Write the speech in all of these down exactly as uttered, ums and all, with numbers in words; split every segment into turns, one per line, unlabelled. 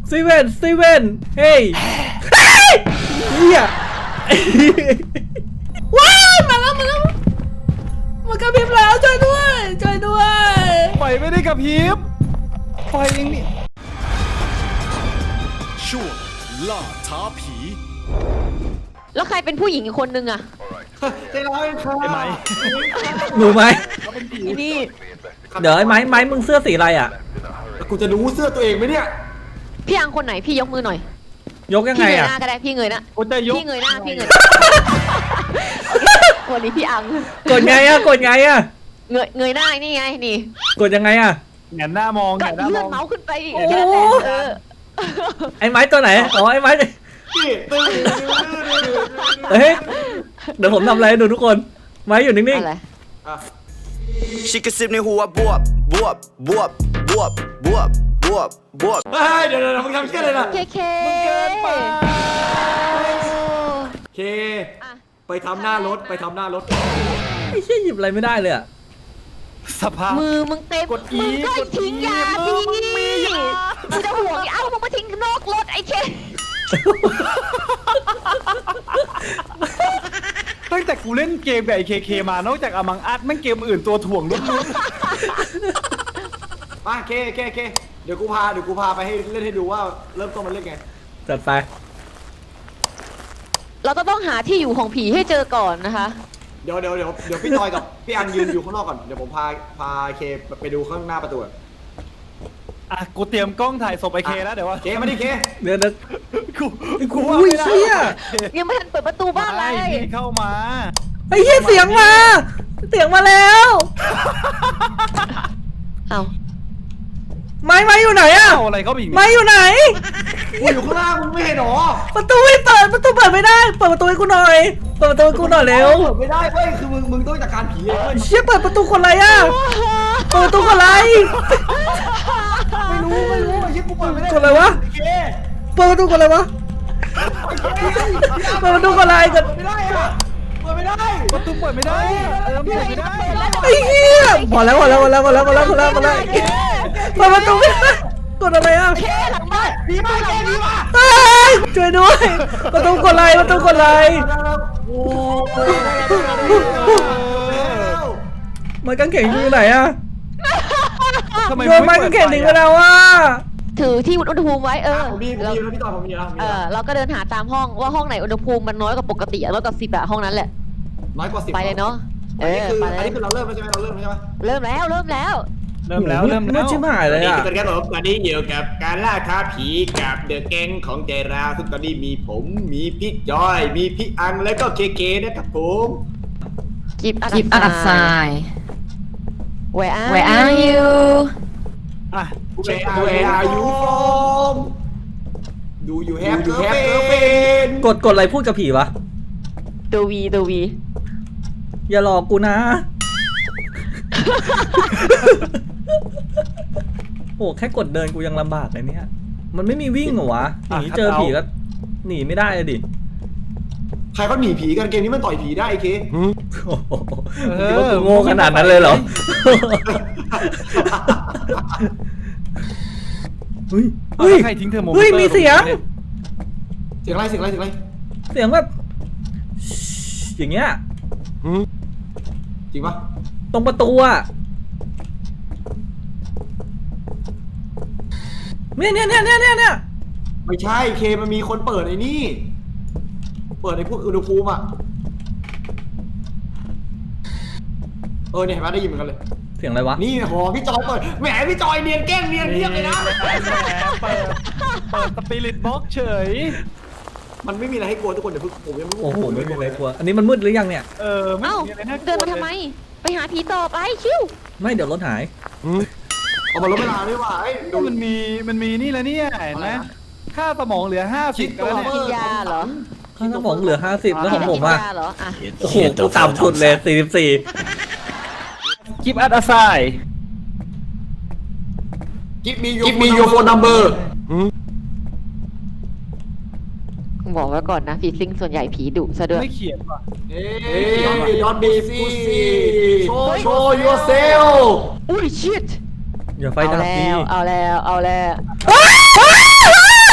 ซีเว่นซีเว่นเฮ้ยเฮียว้าวมาแล้วมาแล้วมากระพริบแล้วช่วยด้วยช่วยด้วย
ไฟไม่ได้กระพริบไฟเองนี่
ช่วงล่าท้าผี
แล้วใครเป็นผู้หญิงอีกคนนึงอะ
ใจร้ายค่ะ
ไอ้ไม้
หนูไหม
อีนี่
เดี๋ยวไอ้ไม้ไม้มึงเสื้อสีอะไรอ่ะ
กูจะรู้เสื้อตัวเองไหมเนี่ย
พี่อังคนไหนพี่ยกมือหน่อย
ยกยัง
พี่
ไง
เงย
อ่ะ
หน้าก็ได้พี่เงยหน้า
กูจะยก
พี่เงยหน้าพี่เงยวันนี้พี่อัง
กดไงอ่ะกดไงอ่ะ
เงยเงยหน้านี่ไงนี่
กดยังไงอ่ะ
แหงนหน้ามองแห
ก็
งนหน้า
เลื่
ม
อน
อง
เมาส์ขึ้นไปอีก
โอ้
แค่นั้นแหละเออ
ไอ้ไม้ตัวไหนอ๋อไอ้ไม้
นี่ตึ้ง
เฮ้ยเดี๋ยวผมทำอะไรให้ดูทุกคนไม้อยู่นิ่ง
อะไร
ชิคกระซิบในหัวบวบบวบบวบบวบบวบบวบบวบ
เฮ้ยเดี๋ยวเดี๋ยวมึงทำเชี่ยอะไรนะ
เคเค
มึงเกินไป
เคไปทำหน้ารถไปทำหน้ารถ
ๆไอ้เชี่ยหยิบอะไรไม่ได้เลยอ่ะ
สภาพ
มือมึงเต็ม
กด E
มึงก็
กด E
ทิ้งยา
มื
สิ
อมึงมียา
มึงจะห่วงอีกเอ้ามึงมาทิ้งนอกรถไอ้เค
ตั้งแต่กูเล่นเกมกับไอเคเคมานอกจากอมังอัดแม่งเกมอื่นตัวถ่วงล้วน
มาเคเคเคเดี๋ยวกูพาเดี๋ยวกูพาไปให้เล่นให้ดูว่าเริ่มต้นมันเล่นไง
จัดไป
เราก็ต้องหาที่อยู่ของผีให้เจอก่อนนะคะ
เดี๋ยวเดี๋ยวเดี๋ยวเดี๋ยวพี่จอยกับพี่อันยืนอยู่ข้างนอกก่อนเดี๋ยวผมพาพาเคไปดูข้างหน้าประตูก่อน
ๆอ่ะกูเตรียมกล้องถ่ายศพไอเคแล้วเดี๋ยวว่า
เคมาดิเค
เดี๋ยวเดี๋ยว
กู
กู
ว่า
อุ้ย
ไม่ได้
เชี่ย
ยังไม่ทันเปิดประตูบ้านเล
ไม่
ย
พี่เข้ามา
ไอ้เหี้ยเสียงมา เสียงมาแล้ว
เอ้า
ไม้ไม้อยู่ไหนอะ
เอาอะไรเข้าไปอีก
ไม้
เนี่ย
อยู่ไหน
กูอยู่ข้างล่างมึงไม่เห็นหรอ
ประตูไม่เปิดประตูเปิดไม่ได้เปิดประตูให้กูหน่อยเปิดประตูให้กูหน่อยเร็ว
เปิดไม่ได้เว้ยคือมึงมึงต้องจัดการผีเองเว้ย
เชี่ยเปิดประตูคนอะไรอะเปิดประตูคนอะไร
ไม่รู้ไม่รู้ไอ้เชี่ยกูเปิดไม่ได้
คนอะไรวะ
เค
เปิดประตูคนอะไรวะเปิดประตูคนอะไรกัน
เปิดไม่ได้อะเปิดไม่ได้
ประตูเปิดไม่ได้เออเปิดไม่ได้
ไอ้เหี้ยพอแล้วพอแล้วพอแล้วพอแล้วพอแล้วพอแล้วพอแล้วเปิดประตูไม่ได้กดอะไรอะ
เคหลังบ้าน
ผีมาแกผีมา
เฮ้ยช่วยด้วยประตูคนอะไรประตูคนอะไร
โอ้
ไม้กางเขนอยู่ไหนอะ
ทำไม
โยนไม้กางเขนทิ้งไปแล้วอะ
ถือที่วัดอุณหภูมิไว้เออ
ผมมีผม
เรา
มีแล้วพี่ต่อผมมีแล้วผมมี
เอ
แล้ว
อเราก็เดินหาตามห้องว่าห้องไหนอุณหภูมิมันน้อยกว่าปกติอะน้อยกว่าสิบอะห้องนั้นแหละ
น้อยกว่าสิบ
ไปเลยเนาะเอ
อันนี้
อ
คือ
ไป
อัน
เลย
นี้คือเราเริ่มแล้วใช่ไหมเราเริ่มแล้วใช่ไหม
เริ่มแล้วเริ่มแล้ว
เริ่มแล้วเริ่ม
มื
แล้
ด
ว
ชิบหายเลยอะ
ตอนนี้ผมตอนนี้อยู่กับการล่าท้าผีกับเดอะแก๊งของใจราวซึ่งตอนนี้มีผมมีพี่จอยมีพี่อังและก็เคเคนะครับผม
กิฟต์
Keep out of sight.
Where are
Where are you?
อ่ะ
เวอาเวอายูฟอมดูอยู่แฮปดูแฮปเกอร์เฟน
กดกดอะไรพูดกับผีวะ
ตัววีตัววี
อย่าหลอกกูนะ โอ้แค่กดเดินกูยังลำบากเลยเนี่ย มันไม่มีวิ่งเหรอวะหนีเจอผีก็หนีไม่ได้เลยดิ
ใครเขาหนีผีกันเกมนี้มันต่อยผีได้ไอ้เค
โอ้โหคิดว่ากูโง่ขนาดนั้นเลยเหรอ เฮ้ย
เฮ้
เฮ้
ย
ย
ใครทิ้งเทอร์โมมิเตอร์
เฮ้ยมีเสียง
เสียงอะไรเสียงอะไรเสียงอะไร
เสียงแบบอย่างเงี้ย
จริงปะ
ตรงประตูอะเนี่ยเนี่ยเนี่ยเนี่ยเนี่ย
ไม่ใช่เคมันมีคนเปิดไอ้นี่เปิดในพวกอุณหภูมิอ่ะเออเนี่ยเห็นไหมได้ยินเหมือนกันเลย
เสียงอะไรวะ
นี่หอพี่จอยเปิดแหมพี่จอยเนียนแกล้งเนียนเรียบเลยนะ
แหมเปิดเปิดสปิริตบ็อกเฉย
มันไม่มีอะไรให้กลัวทุกคนเดี๋ยวผมยังไม่รู้
โอ้โหไม่มีอะไรกลัวอันนี้มันมืดหรือยังเนี่ย
เออไม่
เอ้า
มีอะไรน่ากลัว
เดินมาทำไม ไปหาผีต่อไปชิว
ไม่เดี๋ยวรถหาย
เอามาลดเวลาด้วยว่ะไอ้ดู
มันมีมันมีนี่แล้วเนี่ยเห็นไหมค่าสมองเหลือห้าสิบแล้วเนี่ย
กินยาเหรอ
ข้างสมองเหลือห้าสิบแล้วของผม
กิ
อะ
นยาเหรออ่ะ
โอ้โหกูต่ำสุดเลยสี่สิบสี่
กิฟต์อัดอาไซ
กิฟมีกิฟมียูโฟนนัมเบอร์
บอกไว้ก่อนนะผีซิงส่วนใหญ่ผีดุซะด้วย
ไม่เขียนว่ะ
เฮ้ยยอนบีซีโชว์โชว์ยูเซล
อุ้ยชิต
อย่าไฟ
เอา
ดับ
แล้
ดี
วเอาแล้วเอาแล้ว
ว้าวว้าว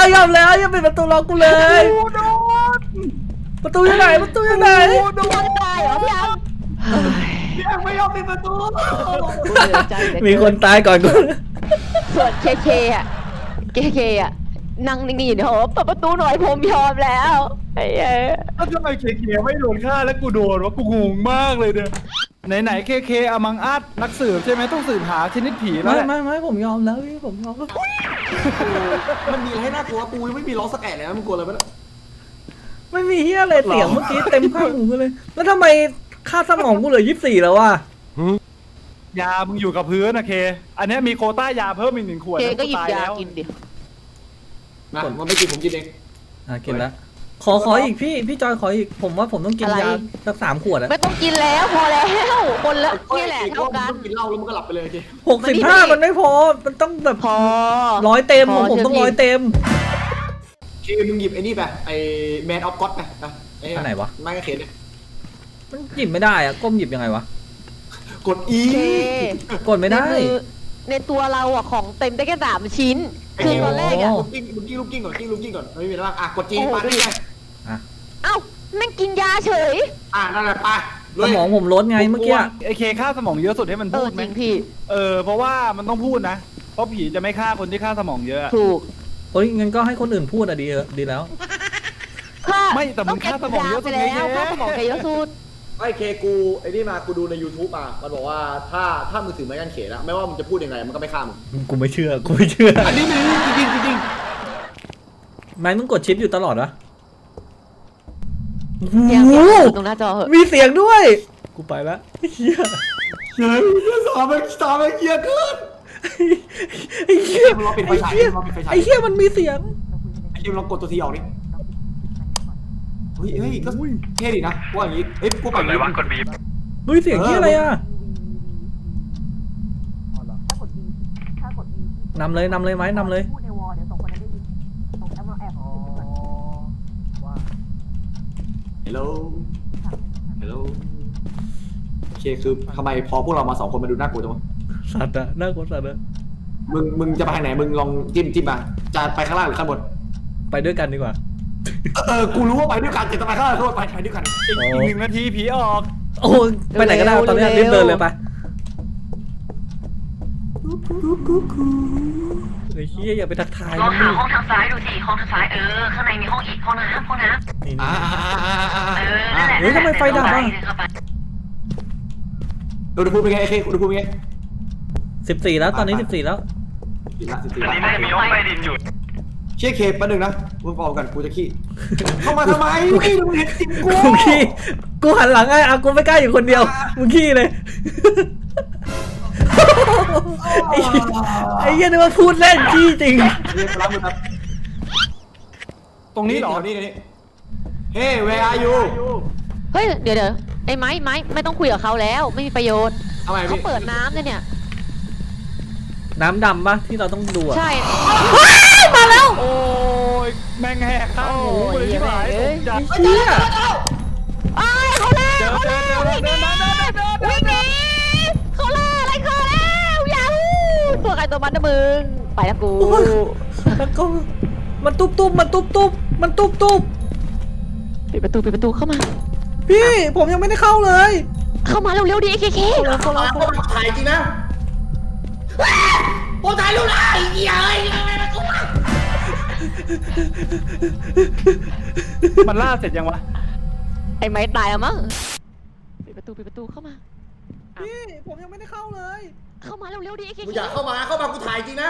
ยอมแล้วอย่าปิดประตูรอกูเลย
กูโดน
ประตูอยู่ไหนประตูอยู่ไหน
กูโด
พี่อั
น
งตายเหรอพี่อัง
พี่อังไม่ยอมปิดประตู
เสียใจเหลือเกิ
มีคนตายก่อนกู
ส่วนเคเคอะเคเคอะนั่งนิ่งๆอยู่ในหอเปิดประตูหน่อยผมยอมแล้วไอ้เอ้ย
แล้วทำไมเคเคไม่โดนฆ่าแล้วกูโดนวะกูงงมากเลยเนี่ยไหนๆเคเคอมังอัดนักสืบใช่ไหมต้องสืบหาชนิดผีแล้ว
ไม่
แหละ
ไม่ไม่ผมยอมแล้วพี่ผมยอมแล้ว
มันมีอะไรให้น่ากลัวปูยังไม่มีล้อสแกนเลยนะมึงกลัวอะไรไหมล่ะ
ไม่มีเฮียอะไรเสียงเมื่อกี้เต็มข้างหูกูเลย แล้วทำไมค่าสมองกูเหลือยี่สิบสี่แล้ววะ
ยามึงอยู่กับพื้นนะเค อันเนี้ยมีโควต้ายาเพิ่มอีกหนึ่งขวด
เค
นะ
ก็หยิบ
ต
ยา
แล้ว
กินดิ
นะมันไม่กินผมกินเอง
อ่ะกินแล้วขอขออีกพี่พี่จอยขออีกผมว่าผมต้องกินยาสักสามขวดอะ
ไม่ต้องกินแล้วพอแล้วคนละนี่แหละเท่ากัน
กินเหล้าแล้วมันก็หลับไปเลยโอเค
หกสิบห้ามันไม่พอมันต้องแบบ
พอ
ร้อยเต็ม
พ
ของผม
ชื่
ต้องร้อย
พี่
เต็ม
เคมึงหยิบไอ้นี่ไปไอ้แมนออฟก็อดไปไป
อันไหนวะ
ไม้กางเขนเนี่ย
มันหยิบไม่ได้อะก้มหยิบยังไงวะ
กด E
เค
กดไม่ได้
คือในตัวเราอะของเต็มได้แค่สามชิ้น คือตอนแรกอะ
โอ้
ลูกกิ้งลูกกิ้งลูกกิ้งก่อนกิ้งลูกกิ้งก่อนไม่มีอะไรบ้างอ่ะกดจี
โอ้โห
ปาได้ไง
เอ้าแม่งกินยาเฉย
อ่ะนั่นแหละไปเล
ส
ย
มองผมลดไงเมื่อกี้
ไอเคฆ่าสมองเยอะสุดให้มัน
เอ
พู
อ
ดไห
จ
ม
ริงพี่
เออเพราะว่ามันต้องพูดนะ เพราะผีจะไม่ฆ่าคนที่ฆ่าสมองเยอะ
ถูก
โอ้ยงั้นก็ให้คนอื่นพูดอะดีเออดีแล้ว
ค่า
ไม่แต่มึงฆ่าสมองเยอะสุ
ไป
ด
แล้
ไง
ว
เค
ค่าสมองแกเยอะสุด
ไอ้เคกูไอ้นี่มากูดูใน YouTube มามันบอกว่าถ้าถ้ามึงถือไม้กางเขนอะไม่ว่ามึงจะพูดยังไงมันก็ไม่ฆ่ามึง
กูไม่เชื่อกูไม่เชื่อ
อันนี้มันจริงจริงจริง
ไม้มึงกดชิปอยู่ตลอดวะ
เสียง
โอ้
เสียง
โห
ตรงหน้าจอเหอะ
มีเสียงด้วย กูไปละเฮีย
เฮ้ยสามมันสามมันเกียร์เกิน
ไอ้เฮีย
มึงรอปิดไฟ
ไอ้
ฉาย
เฮีย
มึงรอปิดไฟฉาย
ไอ้เฮียมันมีเสียง
ไอ้เคมลองกดตัวทีออกดิเฮ้ยเฮ้ยก็เท่ดีนะกูว่าอย่างงี้เฮ้ยกูไปอย่างงี้
เฮ้ยเสียงเฮียอะไรอะนำเลยนำเลยไหมนำเลย
ฮัลโหลฮัลโหลโอเคคือทำไมพอพวกเรามาสองคนมาดูน่ากลัวจังวะ
สัตว์อะน่ากลัวสัตว์อะ
มึงมึงจะไปทางไหนมึงลองจิ้มจิ้มมาจะไปข้างล่างหรือข้างบน
ไปด้วยกันดีกว่า
เออกูรู้ว่าไปด้วยกันจะไปข้างล่างข้างบนไปไปด้วยกัน
อีกอีกหนึ่งนาทีผีออก
โอ้ยไปไหนก็ได้ตอนนี้รีบเดินเลยไปไอ้เฮียอย่าไปทักทาย
ลอง
มัน
หา
ดิ
ห้องทางซ้ายดูสิ ห้องทางซ้าย เออ ข้างในมีห้องอีก ห้องน้ำห้องน้ำ
นี่
อ่า
เออ นั่นแหละ
เฮ้ยทำไมไฟดับอ่ะ
เข้าไป
อุณหภูมิเป็นไงไอ้เคอุณหภูมิเป็นไง
สิบสี่แล้วตอนนี้สิบสี่แล้ว
สิบละสิบสี่
อันนี้น่าจะมีห้องใต้ดินอยู่
เชี่ยเคแป๊บนึงนะมึงพอกันกูจะขี้เข้ามาทำไมไม่มึงเห็นจิ้มกู
กูขี้กูหันหลังไงอ่ะกูไม่กล้าอยู่คนเดียวมึงขี้เลยไอ้เหี้ยไอ้เหี้ยนึกว่าพูดเล่นขี้จริง
เรียกรับมือครับ
ตรงนี้เหรอ
นี่นี่เฮ้ where are you
เฮ้ยเดี๋ยวเดี๋ยวไอ้ไม้ไม้ไม่ต้องคุยกับเขาแล้วไม่มีประโยชน์
ทำไม
เขา
พี่
เปิดน้ำเนี่ยเนี่ย
น้ำดำปะที่เราต้องดูอะ
ใช่
มาแล้ว
โอ้ยแม่งแหกข้างหูกูเลยที่หายตกใจ
ไอ้เหี้ย
ไอ้ยเขาแล่
เจอ
เขา
เจ
แล่
อเจอ
วิ่งห
เดิ
นี
นเดินเดินเดินเดิน
วิ่งหนีเขาแล่อะไรเขาแล้วยาฮูตัวใครตัวมันนะมึงไปแล้วกู
โอ้ยแล้วก็มันตุ๊บตุ๊บมันตุ๊บตุ๊บมันตุ๊บตุ๊บ
ปิดประตูปิดประตูเข้ามา
พี่ผมยังไม่ได้เข้าเลย
เข้ามาเร็วๆดิไอ้เคเค
เข้าแล้วเข้าแล้ว
มาถ่ายจริงนะโอ้ถ่ายรูปได้เหี้ยเอ้ย
มันล่าเสร็จยังวะ
ไอ้ไม้ตายแล้วมั้งปิดประตูปิดประตูเข้ามา
พี่ผมยังไม่ได้เข้าเลย
เข้ามาเร็วๆดิไอ้เค
กู
เค
อยากเข้ามาเข้ามากูถ่ายจริงนะ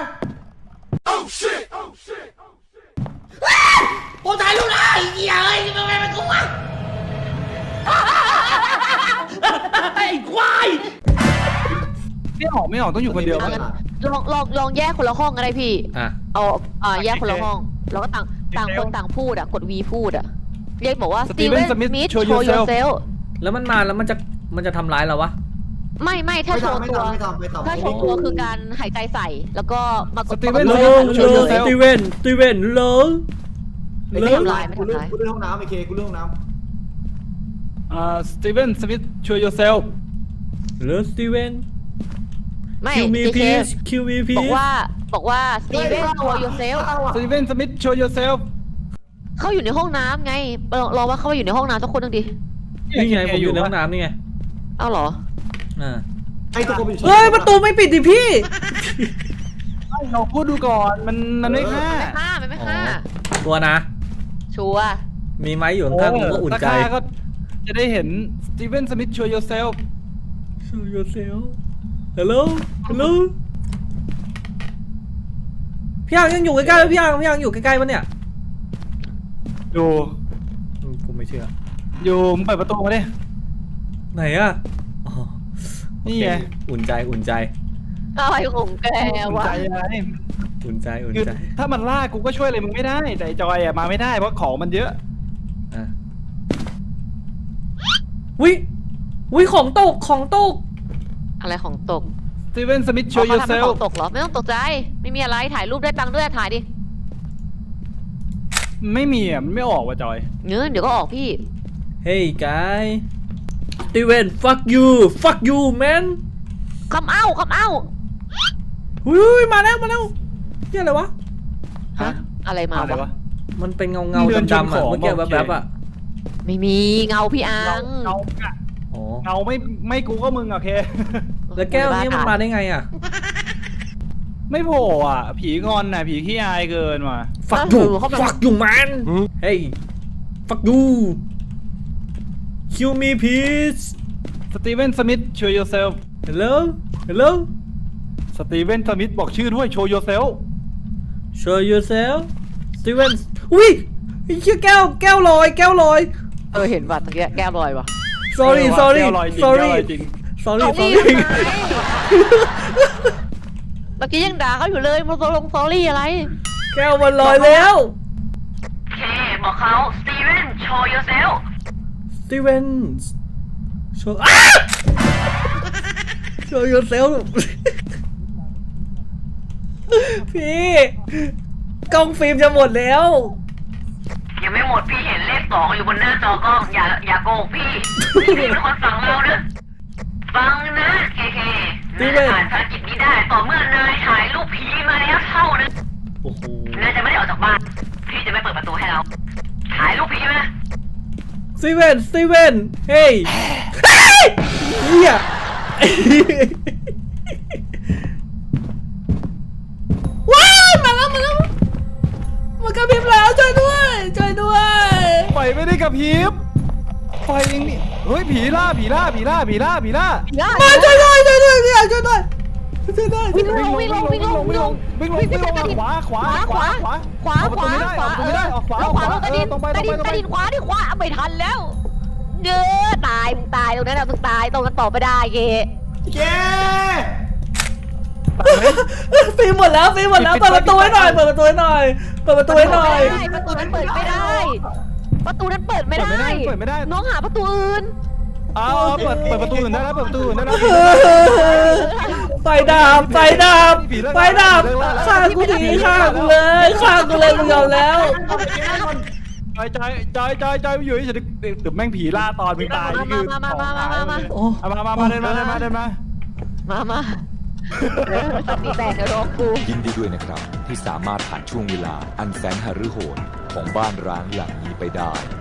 โอ้ถ่ายรูปได้เหี้ยเอ้ยทำไมมันกูวะไอ้ควาย
ไม่ออกไม่ออกต้องอยู่คนเดียว
เอา
มั้ง
งั้นลองลองลองแยกคนละห้องก็ได้พี่
อ่ะ
เอาอ่าแยกคนละห้อง แล้วก็ต่างต่างคนต่างพูดอ่ะ กด V พูดอ่ะ เรียกบอกว่า Steven Smith show yourself
แล้วมันมาแล้วมันจะมันจะทำร้ายเราวะ
ไม่ไม่ถ้าโชว์ตัว
ไม่ทำไม่ทำ
ถ้าโชว์ตัวคือการหายใจใส่ แล้วก็มากด
Steven
ปก
โล
ติ
ง
โช
โล
ว์
ง
yourself
สตีเวนสตีเวนโลง
ไม่
โลง
ทำลายกูเรื่องกูเรื่องห้องน้ำไอ้เคกูเรื่องห้องน้
อ่าสตีเวนสมิธ show yourself
โลงสตีเวน
ไม่
คิวมี
เค
พี
เค
ชคิวมีพี
บอก
ช
ว่าบอกว่าสตีเวนโชว์ยูเซล
สตีเวนสมิธโชว์ yourself
เขาอยู่ในห้องน้ำไงลองลองว่าเขาอยู่ในห้องน้ำสักคนหนึ่งดิ
นี่ไงผมอยู่ในห้องน้ำนี่ไง
เอ้าเหรอ
อ่า
ไอ้ตัวคนอยู่
เฮ้ยประตูไม่ปิดดิพี่
ให้เราพูดดูก่อนมันมันไม่ฆ่า
ไม่ฆ่ามันไม่ฆ่า
ตัวนะ
ชัวร์
มีไม้อยู่ข้างๆผมก็อุ่นใจ
ถ้าฆ่าก็จะได้เห็นสตีเวนสมิธโชว์ yourself
Show yourself Hello Hello พี่อังยังอยู่ใกล้ๆไหมพี่อังพี่อังอยู่ใกล้ๆปะเนี่ย
อยู่
อืมกูไม่เชื่อ
อยู่มึงเปิดประตูมาดิ
ไหนอะอ๋อ
นี่ไง
โอเคอุ่นใจอุ่นใจ
อะไรของแก
อุ่น
วะ
ใจอะไร
อุ่นใจอุ่น
คือ
ใจ
ถ้ามันล่ากูก็ช่วยอะไรมึงไม่ได้ แต่ไอ้จอยอะมาไม่ได้เพราะของมันเยอะ
อ่ะวิวิของตกของตก
อะไรของตก
สตีเวนสมิธโช
อ๋อ
ว์
เขาทำให้
yourself
ของตกเหรอไม่ต้องตกใจไม่มีอะไรถ่ายรูปได้ตังค์ด้วยถ่ายดิ
ไม่มีอ่ะ มันไม่ออกว่ะจอย
เนื้อเดี๋ยวก็ออกพี่
Hey guy Steven fuck you fuck you man
คำเอ้าคำเอ้า
หุยมาแล้วมาแล้วเฮียอะไรวะ
ฮะอะไรมา
อะไร
วะ
วะ
มันเป็นเงาเงา
เดินชน
ดำๆ
ข
อ่ะ
อง
เมื่อกี้
โอเค
แวบๆอ่ะ
ไม่มีเงาพี่อั
เงาง เงาอะ
อ๋อ
เงาไม่ไม่กูก็มึงโอเค
แล้วแก้วนี้มันมาได้ไงอ่ะ
ไม่โผล่อ่ะ ผีงอนน่ะ ผีขี้อายเกินว่ะ
fuck you fuck you man Hey fuck you kill me please
สตีเวนสมิธโชว์ yourself
Hello Hello
สตีเวนสมิธบอกชื่อด้วยโชว์ yourself
show yourself Steven อุ้ยไอ้เหี้ยแก้วแก้วลอยแก้วลอย
เออเห็นป่ะตะกี้แก้วลอยวะ
sorry
เออว่ะ
sorry
แก้วลอยจริง
sorry
แก้วลอยจริง
sorry
เอาพี่
sorry
ทำไมเมื่อกี้ยังด่าเขาอยู่เลยมาโซลงซอรี่อะไร
แก้วมันลอยแล้ว
โอเค บอกเขาสตีเวนโชว์ yourself
Steven show อ้า show yourself พี่กล้องฟิล์มจะหมดแล้ว
ยังไม่หมดพี่เห็นเลขสองอยู่บนหน้าจอกล้องอย่าอย่าโกงพี่พี่เป็นคนสั่งเราเนอะฟังนะเคเคนายจะผ่านภารกิจนี้ได้ต่อเมื่อนายถ่ายรูปผีมาแล้วเท่านั้น
โอ้โห
นายจะไม่ได้ออกจากบ้านพี่จะไม่เปิดประตูให้เราถ่ายรูปผีมา
Steven Steven เฮ้ยเฮียว้ายมาแล้วมาแล้วมันกระพริบแล้วช่วยด้วยช่วยด้วย
ไฟไม่ได้กระพริบไฟเองนี่ เฮ้ย ผีล่า ผีล่า ผีล่า ผีล่า ผีล่า
มาช่วยด้วยช่วยด้วยพี่อยากช่วยด้วยช่วยด้วย
วิ่งลงวิ่งลงวิ่งลงวิ่งลง
วิ่งลง
วิ่ง
วิ่งลง
ไปกระดิ่ง
ขวาขวา
ขวาขวาขวา
ออกประ
ข
ตู
วา
ไม่ได้
ข
อ
วา
อกประตูไม่ได้ออกขวา
แล้วขวาลงกระดิ่ง
ตรงไป
ก
ตร
ระ
ง
ดิ่ง
ไปตรง
ก
ไประ
ดิ่งขวาดิขวาไม่ทันแล้วเด้อตายมึงตายตรงนั้นนะมึงตายตรงนั้นต่อไม่ได้เก
เย้
ฟิล์มหมดแล้วฟิล์มหมดแล้วเปิดประตูให้หน่อยเปิดประตูให้หน่อยเปิดประตูให้หน่อย
ประตูนั้นเปิดไม่ได้ ประตูนั้นเปิดไม่ได้
เปิดไม่ได้
น้องหาประตูอื่น
เอาเอาเปิดเปิดประตูอื่นได้แล้วเปิดประตูอื่นได้แล้ว
ไฟดับไฟดับไฟดับฆ่ากูทีฆ่ากูเลยฆ่ากูเลยกูยอมแล้ว
จอยจอยจอยจอยจอยอยู่เฉยๆเดี๋ยวแม่งผีล่าตอนมึงตายนี่คือ
มามามามามามา
โอ้
เอามามามาเดินมาเดินมาเดินมา
มามาเออสติแตกเดี๋ยวรอกู
ยินดีด้วยนะครับ ที่สามารถผ่านช่วงเวลาอันแสนหฤโหดของบ้านร้างหลังนี้ไปได้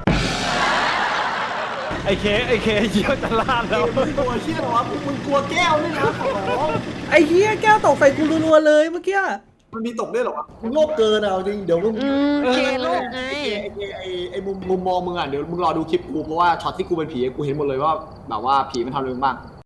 ไอเคไอเคเยี่ยวจะลาดแล้ว
มึงกลัวที่หรอพวกมึงกลัวแก้วนี่นะขอร้อง
ไอ้เหี้ยแก้วตกใส่กูรัวๆเลยเมื่อกี้
มันมีตกด้วยเหรอวะมึงโลภเกินอ่ะจริงเดี๋ยวมึง
อืมเคโลกไง
ไอ้ไอ้ไอ้ไอ้มุมมุมมองมึงอ่ะเดี๋ยวมึงรอดูคลิปกูเพราะว่าช็อตที่กูเป็นผีกูเห็นหมดเลยว่าแบบว่าผีมันทำอะไรมึงบ้าง